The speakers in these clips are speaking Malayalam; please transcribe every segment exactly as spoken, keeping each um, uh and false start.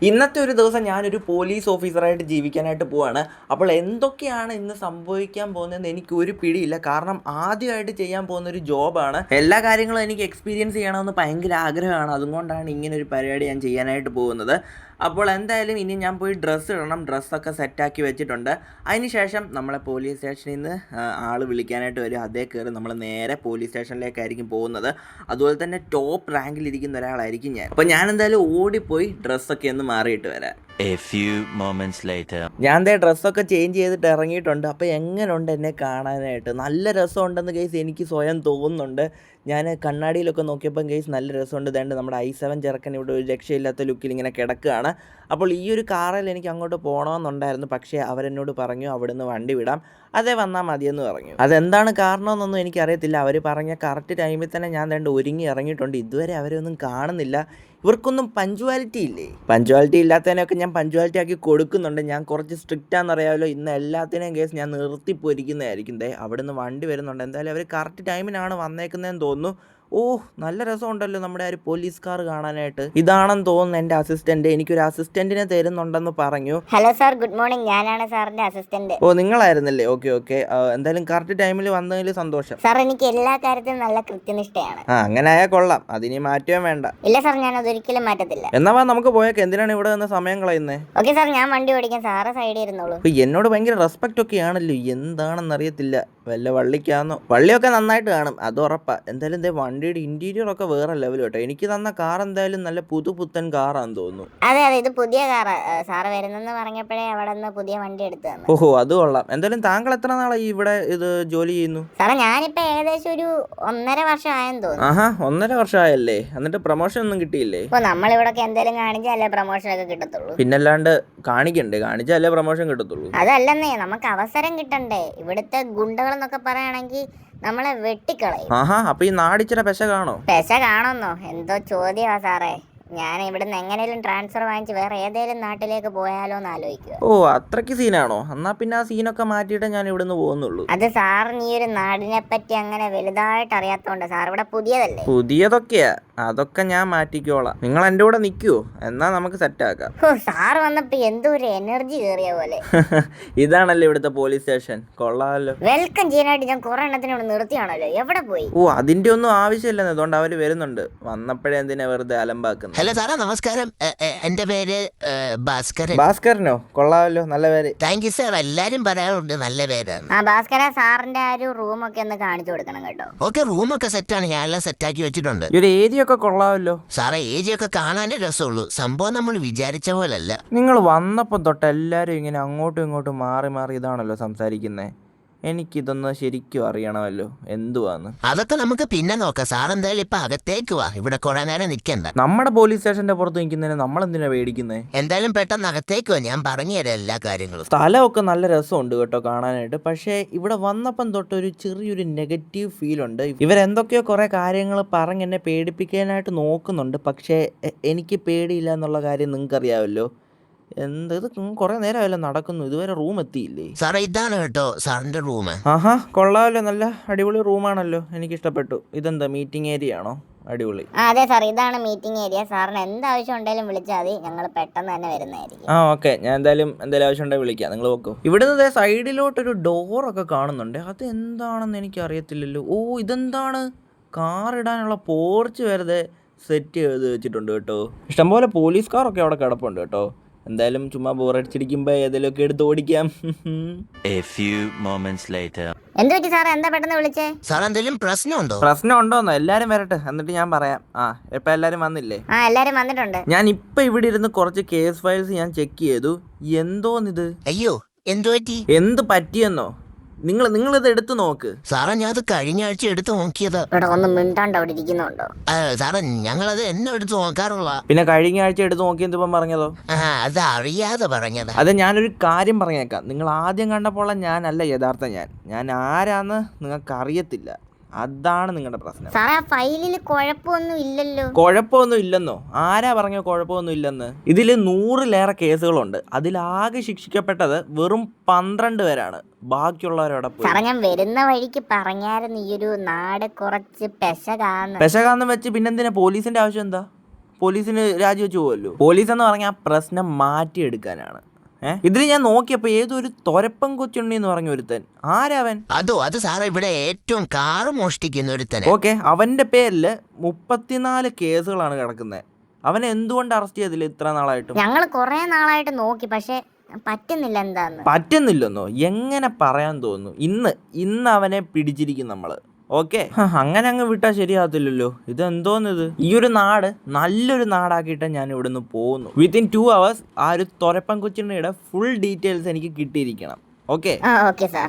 ഇന്നത്തെ ഒരു ദിവസം ഞാനൊരു പോലീസ് ഓഫീസറായിട്ട് ജീവിക്കാനായിട്ട് പോവാണ്. അപ്പോൾ എന്തൊക്കെയാണ് ഇന്ന് സംഭവിക്കാൻ പോകുന്നതെന്ന് എനിക്ക് ഒരു പിടിയില്ല. കാരണം ആദ്യമായിട്ട് ചെയ്യാൻ പോകുന്ന ഒരു ജോബാണ്. എല്ലാ കാര്യങ്ങളും എനിക്ക് എക്സ്പീരിയൻസ് ചെയ്യണമെന്ന് ഭയങ്കര ആഗ്രഹമാണ്. അതുകൊണ്ടാണ് ഇങ്ങനെ ഒരു പരിപാടി ഞാൻ ചെയ്യാനായിട്ട് പോകുന്നത്. അപ്പോൾ എന്തായാലും ഇനി ഞാൻ പോയി ഡ്രസ്സ് ഇടണം. ഡ്രസ്സൊക്കെ സെറ്റാക്കി വെച്ചിട്ടുണ്ട്. അതിന് ശേഷം നമ്മളെ പോലീസ് സ്റ്റേഷനിൽ നിന്ന് ആൾ വിളിക്കാനായിട്ട് വരും. അതേ കയറി നമ്മൾ നേരെ പോലീസ് സ്റ്റേഷനിലേക്കായിരിക്കും പോകുന്നത്. അതുപോലെ തന്നെ ടോപ്പ് റാങ്കിലിരിക്കുന്ന ഒരാളായിരിക്കും ഞാൻ. അപ്പോൾ ഞാൻ എന്തായാലും ഓടിപ്പോയി ഡ്രസ്സൊക്കെ ഒന്ന് മാറിയിട്ട് വരാം. A few moments later. ഞാൻ ദേ ഡ്രസ്സൊക്കെ ചേഞ്ച് ചെയ്തിട്ട് ഇറങ്ങിയിട്ടുണ്ട്. അപ്പോൾ എങ്ങനെയുണ്ട് എന്നെ കാണാനായിട്ട്? നല്ല രസമുണ്ടെന്ന് ഗൈസ് എനിക്ക് സ്വയം തോന്നുന്നുണ്ട്. ഞാൻ കണ്ണാടിയിലൊക്കെ നോക്കിയപ്പോൾ ഗൈസ് നല്ല രസമുണ്ട്. ഇതേണ്ട നമ്മുടെ ഐ സെവൻ ചെറുക്കൻ ഇവിടെ ഒരു രക്ഷയില്ലാത്ത ലുക്കിൽ ഇങ്ങനെ കിടക്കുകയാണ്. അപ്പോൾ ഈ ഒരു കാറിൽ എനിക്ക് അങ്ങോട്ട് പോകണമെന്നുണ്ടായിരുന്നു. പക്ഷേ അവരെന്നോട് പറഞ്ഞു അവിടുന്ന് വണ്ടി വിടാം, അതേ വന്നാൽ മതിയെന്ന് പറഞ്ഞു. അതെന്താണ് കാരണമെന്നൊന്നും എനിക്കറിയത്തില്ല. അവർ പറഞ്ഞ കറക്റ്റ് ടൈമിൽ തന്നെ ഞാൻ ദേണ്ട ഒരുങ്ങി ഇറങ്ങിയിട്ടുണ്ട്. ഇതുവരെ അവരൊന്നും കാണുന്നില്ല. ഇവർക്കൊന്നും പഞ്ച്വാലിറ്റി ഇല്ലേ? പഞ്ച്വാലിറ്റി ഇല്ലാത്തതിനൊക്കെ ഞാൻ പഞ്ച്വാലിറ്റി ആക്കി കൊടുക്കുന്നുണ്ട്. ഞാൻ കുറച്ച് സ്ട്രിക്റ്റ് ആണെന്നറിയാമല്ലോ. ഇന്ന് എല്ലാത്തിനെയും കേസ് ഞാൻ നിർത്തി പൊരിക്കുന്നതായിരിക്കും. ദേ അവിടുന്ന് വണ്ടി വരുന്നുണ്ട്. എന്തായാലും അവർ കറക്റ്റ് ടൈമിനാണ് വന്നേക്കുന്നതെന്ന് തോന്നുന്നു. ഓ നല്ല രസമുണ്ടല്ലോ നമ്മുടെ ആ ഒരു പോലീസ് കാർ കാണാനായിട്ട്. ഇതാണെന്ന് തോന്നുന്നു എൻ്റെ അസിസ്റ്റന്റ്. എനിക്കൊരു അസിസ്റ്റന്റിനെ തരുന്നുണ്ടെന്ന് പറഞ്ഞു. Hello sir, good morning. ഞാനാണ് സാറിന്റെ അസിസ്റ്റന്റ്. ഓ നിങ്ങളായിരുന്നല്ലേ? Okay okay. എന്തായാലും കറക്റ്റ് ടൈമിൽ വന്നതിൽ സന്തോഷം. സാർ എനിക്ക് എല്ലാ കാര്യത്തിലും നല്ല കൃത്യനിഷ്ഠയാണ്. ആ അങ്ങനെ ആയാൽ കൊള്ളാം. അതിനി മാറ്റുകയും വേണ്ട. ഇല്ല സാർ, ഞാൻ അതൊരിക്കലും മാറ്റത്തില്ല. എന്നാ വാ നമുക്ക് പോയേക്ക്. എന്തിനാണ് ഇവിടെ നിന്ന് സമയം കളയുന്നത്? ഓക്കെ സാർ, ഞാൻ വണ്ടി ഓടിക്കാൻ, സാറ് സൈഡിൽ ഇരുന്നോളൂ. അപ്പൊ എന്നോട് ഭയങ്കര റെസ്പെക്റ്റ് ഒക്കെ ആണല്ലോ. എന്താണെന്ന് അറിയത്തില്ല. വല്ല വള്ളിക്കാന്നോ? വള്ളിയൊക്കെ നന്നായിട്ട് കാണും, അത് ഉറപ്പാ. എന്തായാലും എന്തേ വണ്ടിയുടെ ഇന്റീരിയർ ഒക്കെ വേറെ ലെവൽ കേട്ടോ. എനിക്ക് തന്ന കാർ എന്തായാലും നല്ല പുതുപുത്തൻ കാറാന്ന് തോന്നുന്നു. അതെ അതെ, ഇത് പുതിയ കാറാ. സാറ് വരുന്നെന്ന് പറഞ്ഞപ്പോഴേ അവിടെ നിന്ന് പുതിയ വണ്ടി എടുത്തു തന്നു. ഓഹോ അത് കൊള്ളാം. എന്തായാലും താങ്കൾ എത്ര നാളായി ഇവിടെ ഇത് ജോലി ചെയ്യുന്നു? സാറേ ഞാനിപ്പോ ഏകദേശം ഒരു ഒന്നര വർഷം ആയെന്ന് തോന്നുന്നു. ആഹാ ഒന്നര വർഷമായല്ലേ? എന്നിട്ട് പ്രൊമോഷൻ ഒന്നും കിട്ടിയില്ലേ? ഇപ്പൊ നമ്മളിവിടെ എന്തെങ്കിലും കാണിച്ചാലേ പ്രൊമോഷൻ ഒക്കെ കിട്ടത്തുള്ളൂ. പിന്നല്ലാണ്ട് കാണിക്കണ്ടേ? കാണിച്ചാലേ പ്രൊമോഷൻ കിട്ടത്തുള്ളൂ. അതല്ലെന്നേ, നമുക്ക് അവസരം കിട്ടണ്ടേ? ഇവിടുത്തെ ഗുണ്ടകൾ എന്നൊക്കെ പറയുകയാണെങ്കിൽ നമ്മളെ വെട്ടിക്കളയും. ആഹാ അപ്പൊ ഈ നാടിച്ചിര പെശ കാണോ? പെശ കാണുന്നോ? എന്തോ ചോദ്യമാ സാറേ. ഞാൻ ഇവിടുന്ന് എങ്ങനെയും ട്രാൻസ്ഫർ വാങ്ങിച്ച് വേറെ ഏതെങ്കിലും നാട്ടിലേക്ക് പോയാലോ എന്ന് ആലോചിക്കുക. ഓ അത്രയ്ക്ക് സീനാണോ? എന്നാ പിന്നെ ആ സീനൊക്കെ മാറ്റിയിട്ട് ഞാൻ ഇവിടുന്ന് പോകുന്നുള്ളൂ. അത് സാറിന് ഈ ഒരു നാടിനെ പറ്റി അങ്ങനെ വലുതായിട്ട് അറിയാത്തോണ്ട്. സാർ ഇവിടെ പുതിയതല്ലേ? പുതിയതൊക്കെയാ, അതൊക്കെ ഞാൻ മാറ്റിക്കോളാം. നിങ്ങൾ എൻ്റെ കൂടെ നിൽക്കുവോ? എന്നാ നമുക്ക് സെറ്റ് ആക്കാം. ഓ സാറ് വന്നപ്പോ എന്തോ ഒരു എനർജി കയറിയ പോലെ. ഇതാണല്ലേ ഇവിടുത്തെ പോലീസ് സ്റ്റേഷൻ? കൊള്ളാമല്ലോ. വെൽക്കം ചെയ്യാനായിട്ട് ഞാൻ കുറെ എണ്ണത്തിന് ഇവിടെ നിർത്തിയാണല്ലോ. എവിടെ പോയി? ഓ അതിന്റെ ഒന്നും ആവശ്യമില്ലെന്ന്. അതുകൊണ്ട് അവര് വരുന്നുണ്ട്. വന്നപ്പോഴേ എന്തിനാ വെറുതെ അലമ്പാക്കുന്നത്? ഹലോ സാറാ, നമസ്കാരം. എന്റെ പേര് ഭാസ്കരൻ. ഭാസ്കരനോ? കൊള്ളാമല്ലോ, നല്ല പേര്. Thank you sir. എല്ലാരും പറയാറുണ്ട് നല്ല പേരാണ്. ആ ഭാസ്കര, സാറിന്റെ ആ ഒരു റൂമൊക്കെ ഒന്ന് കാണിച്ചു കൊടുക്കണം കേട്ടോ. ഓക്കെ, റൂമൊക്കെ സെറ്റാണ്. ഞാൻ എല്ലാം സെറ്റാക്കി വെച്ചിട്ടുണ്ട്. ഈ ഒരു ഏരിയ ഒക്കെ കൊള്ളാമല്ലോ. സാറേ ഏരിയ ഒക്കെ കാണാനേ രസമുള്ളൂ. സംഭവം നമ്മൾ വിചാരിച്ച പോലല്ല. നിങ്ങൾ വന്നപ്പോ തൊട്ട് എല്ലാരും ഇങ്ങനെ അങ്ങോട്ടും ഇങ്ങോട്ടും മാറി മാറി ഇതാണല്ലോ സംസാരിക്കുന്നേ. എനിക്കിതൊന്ന് ശരിക്കും അറിയണമല്ലോ എന്തുവാന്ന്. അതൊക്കെ നമുക്ക് പിന്നെ നോക്കാം. സാർ എന്തായാലും ഇപ്പൊ അകത്തേക്ക് വാ. ഇവിടെ കുറെ നേരം നിൽക്കണ്ട. നമ്മുടെ പോലീസ് സ്റ്റേഷന്റെ പുറത്ത് നിൽക്കുന്നതിന് നമ്മൾ എന്തിനാ പേടിക്കുന്നേ? എന്തായാലും പെട്ടെന്ന് അകത്തേക്ക് വാ, ഞാൻ പറഞ്ഞു തരാം എല്ലാ കാര്യങ്ങളും. സ്ഥലമൊക്കെ നല്ല രസമുണ്ട് കേട്ടോ കാണാനായിട്ട്. പക്ഷേ ഇവിടെ വന്നപ്പം തൊട്ട് ഒരു ചെറിയൊരു നെഗറ്റീവ് ഫീൽ ഉണ്ട്. ഇവരെന്തൊക്കെയോ കുറേ കാര്യങ്ങൾ പറഞ്ഞ് എന്നെ പേടിപ്പിക്കാനായിട്ട് നോക്കുന്നുണ്ട്. പക്ഷേ എനിക്ക് പേടിയില്ല എന്നുള്ള കാര്യം നിങ്ങൾക്കറിയാമല്ലോ. എന്ത് ഇത് കുറെ നേരമല്ലോ നടക്കുന്നു, ഇതുവരെ റൂം എത്തിയില്ലേ? സാറേ ഇതാണ് കേട്ടോ സാറിന്റെ റൂം. ആഹാ കൊള്ളാമല്ലോ, നല്ല അടിപൊളി റൂമാണല്ലോ, എനിക്ക് ഇഷ്ടപ്പെട്ടു. ഇതെന്താ മീറ്റിംഗ് ഏരിയ ആണോ? അടിപൊളി. ആ അതെ സാർ, ഇതാണ് മീറ്റിംഗ് ഏരിയ. സാറിന് എന്താവശ്യം ഉണ്ടെങ്കിലും വിളിച്ചാൽ മതി, ഞങ്ങൾ പെട്ടെന്ന് തന്നെ വരുന്നതായിരിക്കും. ആ ഓക്കെ, ഞാൻ എന്തായാലും എന്തായാലും ആവശ്യം ഉണ്ടെങ്കിൽ വിളിക്കാം. നിങ്ങൾ നോക്കൂ. ഇവിടുന്ന് സൈഡിലോട്ടൊരു ഡോറൊക്കെ കാണുന്നുണ്ട്. അത് എന്താണെന്ന് എനിക്ക് അറിയത്തില്ലല്ലോ. ഓ ഇതെന്താണ്? കാർ ഇടാനുള്ള പോർച്ച് വെറുതെ സെറ്റ് ചെയ്ത് വെച്ചിട്ടുണ്ട് കേട്ടോ. ഇഷ്ടംപോലെ പോലീസ് കാറൊക്കെ അവിടെ കിടപ്പുണ്ട് കേട്ടോ. എന്തായാലും ചുമ്മാ ബോറടിച്ചിരിക്കുമ്പോ ഏതെങ്കിലുമൊക്കെ എടുത്ത് ഓടിക്കാം. A few moments later. എന്ത് പറ്റി സാർ? എന്താ പെട്ടെന്ന് വിളിച്ചേ? സാർ എന്തെങ്കിലും പ്രശ്നമുണ്ടോ? പ്രശ്നം ഉണ്ടോന്നോ? എല്ലാരും വരട്ടെ എന്നിട്ട് ഞാൻ പറയാം. ആ ഇപ്പൊ എല്ലാരും വന്നില്ലേ? ആ എല്ലാരും വന്നിട്ടുണ്ട്. ഞാൻ ഇപ്പൊ ഇവിടെ ഇരുന്ന് കുറച്ച് കേസ് ഫയൽസ് ഞാൻ ചെക്ക് ചെയ്തു. എന്തോന്നിത്? അയ്യോ എന്തു പറ്റി? എന്ത് പറ്റിയെന്നോ? നിങ്ങൾ നിങ്ങളിത് എടുത്തു നോക്ക്. സാറേ ഞാൻ അത് കഴിഞ്ഞ ആഴ്ച എടുത്ത് നോക്കിയത്. ഇവിടെ ഒന്ന് മിണ്ടാണ്ട് അവിടെ ഇരിക്കുന്നുണ്ടോ? സാറേ ഞങ്ങളത് എന്നെ എടുത്ത് നോക്കാറുള്ള. പിന്നെ കഴിഞ്ഞ ആഴ്ച എടുത്ത് നോക്കിയെന്ന് ഇപ്പം പറഞ്ഞതോ? ആ അത് അറിയാതെ പറഞ്ഞത്. അത് ഞാനൊരു കാര്യം പറഞ്ഞേക്കാം. നിങ്ങൾ ആദ്യം കണ്ടപ്പോൾ ഞാനല്ല യഥാർത്ഥ ഞാൻ. ഞാൻ ആരാന്ന് നിങ്ങൾക്ക് അറിയത്തില്ല. അതാണ് നിങ്ങളുടെ പ്രശ്നം. സാറേ ആ ഫയലിൽ കുഴപ്പമൊന്നും ഇല്ലല്ലോ. കുഴപ്പമൊന്നും ഇല്ലെന്നോ? ആരാ പറഞ്ഞോ കുഴപ്പമൊന്നും ഇല്ലെന്ന്? ഇതിൽ നൂറിലേറെ കേസുകളുണ്ട്. അതിലാകെ ശിക്ഷിക്കപ്പെട്ടത് വെറും പന്ത്രണ്ട് പേരാണ്. ബാക്കിയുള്ളവരോടെ പോയി. സാറേ ഞാൻ വരുന്ന വഴിക്ക് പറഞ്ഞായിരുന്നു ഈ ഒരു നാട് കുറച്ച് പെശകാന്ന്. പെശകാന്ന് വെച്ച് പിന്നെന്തിനാ? പോലീസിന്റെ ആവശ്യം എന്താ? പോലീസിന് രാജിവെച്ച് പോകുമല്ലോ. പോലീസ് എന്ന് പറഞ്ഞാൽ പ്രശ്നം മാറ്റിയെടുക്കാനാണ്. ഏഹ് ഇതിൽ ഞാൻ നോക്കിയപ്പോൾ ഏതോ ഒരു തൊരപ്പൻ കൊച്ചുണ്ണി എന്ന് പറഞ്ഞ ഒരുത്തൻ. ആരവൻ? അതോ അത് സാറേ ഇവിടെ ഏറ്റവും കാറ് മോഷ്ടിക്കുന്ന ഒരുത്തനെ. ഓക്കെ, അവൻ്റെ പേരിൽ മുപ്പത്തിനാല് കേസുകളാണ് കിടക്കുന്നത്. അവനെ എന്തുകൊണ്ട് അറസ്റ്റ് ചെയ്തില്ല ഇത്ര നാളായിട്ടും? ഞങ്ങൾ കുറെ നാളായിട്ട് നോക്കി, പക്ഷെ പറ്റുന്നില്ല. എന്താന്ന് പറ്റുന്നില്ലെന്നോ? എങ്ങനെ പറയാൻ തോന്നുന്നു? ഇന്ന് ഇന്ന് അവനെ പിടിച്ചിരിക്കും നമ്മള്. ഓക്കെ, അങ്ങനെ അങ്ങ് വിട്ടാൽ ശരിയാകത്തില്ലല്ലോ. ഇതെന്തോന്നിത്? ഈ ഒരു നാട് നല്ലൊരു നാടാക്കിയിട്ട് ഞാൻ ഇവിടുന്ന് പോകുന്നു. വിത്തിൻ ടു അവേഴ്സ് ആ ഒരു തൊരപ്പൻ കൊച്ചിയുടെ ഫുൾ ഡീറ്റെയിൽസ് എനിക്ക് കിട്ടിയിരിക്കണം. ഓക്കെ ആ ഓക്കെ സാർ.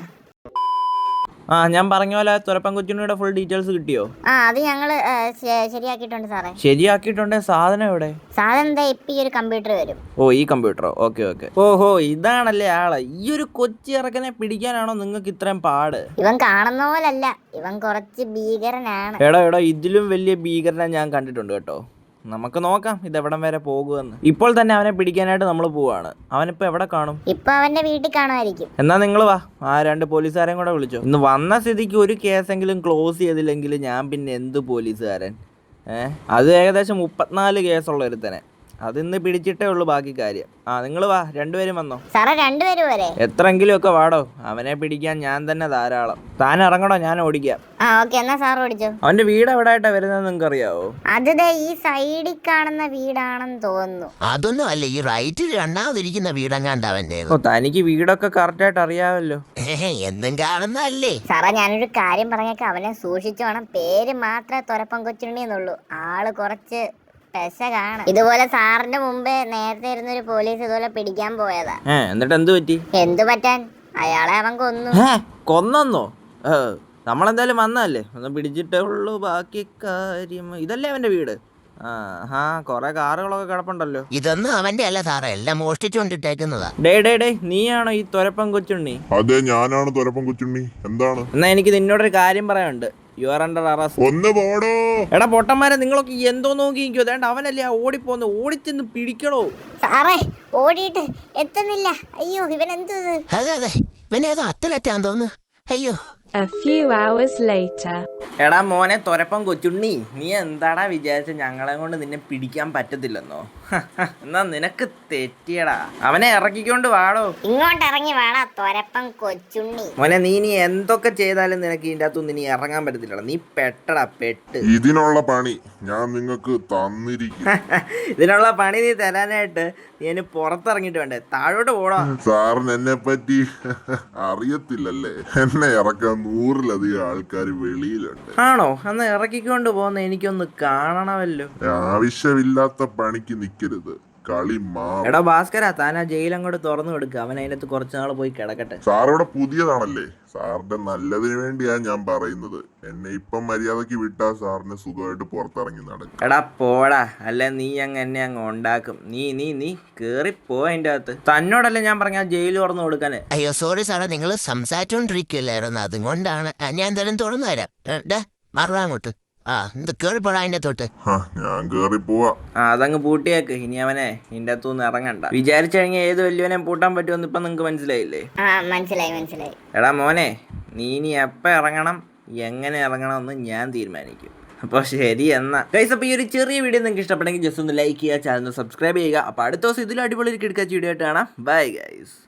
ആ ഞാൻ പറഞ്ഞ പോലെ തൊരപ്പൻ കൊച്ചിയുടെ ഫുൾ ഡീറ്റെയിൽസ് കിട്ടിയോ? ആ അത് ഞങ്ങള് ഏ, ശ- ശരിയാക്കിയിട്ടുണ്ട് സാറേ. ശരിയാക്കിയിട്ടുണ്ടെ സാധനം എവിടെ? സാധനം എന്താ ഇപ്പൊ ഈ ഒരു കമ്പ്യൂട്ടർ വരും. ഓ ഈ കമ്പ്യൂട്ടറോ? Okay okay. ഓഹോ ഇതാണല്ലേ ആള്. ഈ ഒരു കൊച്ചി ഇറക്കനെ പിടിക്കാനാണോ നിങ്ങൾക്ക് ഇത്രയും പാട്? ഇവൻ കാണുന്ന പോലല്ല, ഇവൻ കുറച്ച് ഭീകരനാണ്. എടാ എടാ ഇതിലും വലിയ ഭീകരനെ ഞാൻ കണ്ടിട്ടുണ്ട് കേട്ടോ. നമുക്ക് നോക്കാം ഇതെവിടം വരെ പോകുമെന്ന്. ഇപ്പോൾ തന്നെ അവനെ പിടിക്കാനായിട്ട് നമ്മൾ പോവാണ്. അവനിപ്പോൾ എവിടെ കാണും? ഇപ്പൊ അവന്റെ വീട്ടിൽ കാണുമായിരിക്കും. എന്നാ നിങ്ങൾ വാ, ആ രണ്ട് പോലീസുകാരെയും കൂടെ വിളിച്ചോ. ഇന്ന് വന്ന സ്ഥിതിക്ക് ഒരു കേസെങ്കിലും ക്ലോസ് ചെയ്തില്ലെങ്കിൽ ഞാൻ പിന്നെ എന്ത് പോലീസുകാരൻ? ഏഹ് അത് ഏകദേശം മുപ്പത്തിനാല് കേസുള്ള ഒരുത്തനെ. അതിന്ന് പിടിച്ചിട്ടേ ഉള്ളൂ ബാക്കി കാര്യം. ആ നിങ്ങൾ വാ, രണ്ടുപേരും വന്നോ. സാറേ രണ്ടുപേരും വരെ? എത്രയെങ്കിലും ഒക്കെ വാടോ, അവനെ പിടിക്കാൻ ഞാൻ തന്നെ ധാരാളം. താൻ ഇറങ്ങണോ, ഞാൻ ഓടിക്കാം. ആ ഓക്കെ, എന്നാ സാർ ഓടിച്ചോ. അവന്റെ വീട് എവിടെയായിട്ടാ വരുന്നത് നിങ്ങൾക്ക് അറിയാവോ? അത് ദേ ഈ സൈഡിൽ കാണുന്ന വീടാണെന്ന് തോന്നുന്നു. അതൊന്നും അല്ല, ഈ റൈറ്റിൽ രണ്ടാമതിരിക്കുന്ന വീടങ്ങാണ്ട് അവൻ്റെ. ഓ തനിക്ക് വീടൊക്കെ കറക്റ്റായിട്ട് അറിയാമല്ലോ. എന്നും കാണുന്നല്ലേ. സാറേ ഞാനൊരു കാര്യം പറഞ്ഞേക്കാം, അവനെ സൂക്ഷിച്ചു വേണം. പേര് മാത്രമേ തൊരപ്പം കൊച്ചുണ്ണിന്നുള്ളൂ, ആള് കുറച്ച് പെശകാണ്. ഇതുപോലെ സാറിന്റെ മുമ്പേ നേരത്തെ ഇരുന്നൊരു പോലീസ് ഇതുപോലെ പിടിക്കാൻ പോയതാ. ഏ എന്നിട്ട് എന്ത് പറ്റി? എന്തു പറ്റാൻ, അയാളെ അവൻ കൊന്നു. കൊന്നോ? ഏ നമ്മളെന്തായാലും വന്നല്ലേ, ഒന്ന് പിടിച്ചിട്ടേ ഉള്ളൂ ബാക്കി കാര്യം. ഇതല്ലേ അവന്റെ വീട്? ആ ഹാ കൊറേ കാറുകളൊക്കെ കിടപ്പുണ്ടല്ലോ. ഇതൊന്നും അവന്റെ അല്ല സാറേ, എല്ലാം മോഷ്ടിച്ചുകൊണ്ടിട്ടേക്കുന്നതാ. ഡേ ഡേ ഡേ നീയാണോ ഈ തൊരപ്പൻ കൊച്ചുണ്ണി? അതെ ഞാനാണ് തൊരപ്പൻ കൊച്ചുണ്ണി. എന്താണ്? എന്നാ എനിക്ക് നിന്നോടൊരു കാര്യം പറയാനുണ്ട്. You are under arrest. ഒന്ന് പോടോ. എടാ പൊട്ടന്മാരെ നിങ്ങളൊക്കെ എന്തോ നോക്കിയിരിക്കോ? അതേണ്ട അവനല്ലേ ആ ഓടിപ്പോന്ന്, ഓടിച്ചെന്ന് പിടിക്കണോ? സാറേ ഓടിയിട്ട് എത്തുന്നില്ല. അയ്യോ ഇവൻ എന്ത് ഇത്? അതെ അതെ, ഇവനേതോ അത്തലറ്റാന്ന് തോന്നുന്നു. അയ്യോ. A few hours later. എടാ മോനെ തൊരപ്പൻ കൊച്ചുണ്ണി, നീ എന്താടാ വിചാരിച്ച ഞങ്ങളെ കൊണ്ട് നിന്നെ പിടിക്കാൻ പറ്റത്തില്ലെന്നോ? എന്നാ നിനക്ക് തെറ്റിയടാ. അവനെ ഇറക്കിക്കൊണ്ട് വാടോ. ഇങ്ങോട്ട് ഇറങ്ങി വേണ തൊരപ്പൻ കൊച്ചുണ്ണി. മോനെ നീ നീ എന്തൊക്കെ ചെയ്താലും നിനക്ക് ഇതിൻ്റെ അകത്തുനിന്ന് നീ ഇറങ്ങാൻ പറ്റത്തില്ലടാ. നീ പെട്ടടാ പെട്ട്. ഇതിനുള്ള പണി ഞാൻ നിങ്ങൾക്ക് തന്നിരിക്കും. ഇതിനുള്ള പണി നീ തരാനായിട്ട് നീ എന്നെ പുറത്തിറങ്ങിയിട്ട് വേണ്ടേ? താഴോട്ട് പോടാ. സാറിന് എന്നെ പറ്റി അറിയത്തില്ലല്ലേ. എന്നെ ഇറക്കാൻ നൂറിലധികം ആൾക്കാർ വെളിയിലുണ്ട്. ആണോ? അന്ന് ഇറക്കിക്കൊണ്ട് പോകുന്ന എനിക്കൊന്ന് കാണണമല്ലോ. ആവശ്യമില്ലാത്ത പണിക്ക് നിക്കരുത്, കളി മാ. എടാ ഭാസ്കര, താൻ ആ ജയിൽ അങ്ങോട്ട് തുറന്നു കൊടുക്കുക. അവൻ അതിനകത്ത് കുറച്ച് നാൾ പോയി കിടക്കട്ടെ. സാറിവിടെ പുതിയതാണല്ലേ, സാറിന്റെ നല്ലതിന് വേണ്ടിയാ ഞാൻ പറയുന്നത്. എന്നെ ഇപ്പം മര്യാദക്ക് വിട്ടാ സാറിന് സുഖമായിട്ട് പുറത്തിറങ്ങി നടക്കും. എടാ പോടാ, അല്ല നീ അങ്ങ് എന്നെ അങ്ങ് ഉണ്ടാക്കും. നീ നീ നീ കേറിപ്പോ അതിൻ്റെ അകത്ത്. തന്നോടല്ലേ ഞാൻ പറഞ്ഞ ജയിൽ തുറന്നു കൊടുക്കാന്. അയ്യോ സോറി സാറേ, നിങ്ങൾ സംസാരിച്ചോണ്ടിരിക്കില്ലായിരുന്നു, അതുകൊണ്ടാണ്. ആ, ഞാൻ എന്തായാലും തുറന്നു തരാം. മറുപടി അങ്ങോട്ട്. ആ ഇത് കേറിപ്പോടാ അതിന്റെ തൊട്ട്. ഞാൻ കേറി പോവാ. ആ അതങ്ങ് പൂട്ടിയേക്ക്. ഇനി അവനെ ഇതിൻ്റെ അകത്തുനിന്ന് ഇറങ്ങണ്ട. വിചാരിച്ചു കഴിഞ്ഞാൽ ഏത് വലിയവനെ പൂട്ടാൻ പറ്റുമെന്ന് ഇപ്പം നിങ്ങൾക്ക് മനസ്സിലായില്ലേ? ആ മനസ്സിലായി മനസ്സിലായി. എടാ മോനെ, നീ ഇനി എപ്പോൾ ഇറങ്ങണം, എങ്ങനെ ഇറങ്ങണമെന്ന് ഞാൻ തീരുമാനിക്കും. അപ്പോൾ ശരി എന്നാ ഗൈസ്. അപ്പോൾ ഈ ഒരു ചെറിയ വീഡിയോ നിങ്ങൾക്ക് ഇഷ്ടപ്പെട്ടെങ്കിൽ ജസ്റ്റ് ഒന്ന് ലൈക്ക് ചെയ്യുക, ചാനൽ സബ്സ്ക്രൈബ് ചെയ്യുക. അപ്പോൾ അടുത്ത ദിവസം ഇതിലും അടിപൊളി കിടക്കാച്ച വീഡിയോ ആയിട്ട് കാണാം. Bye guys.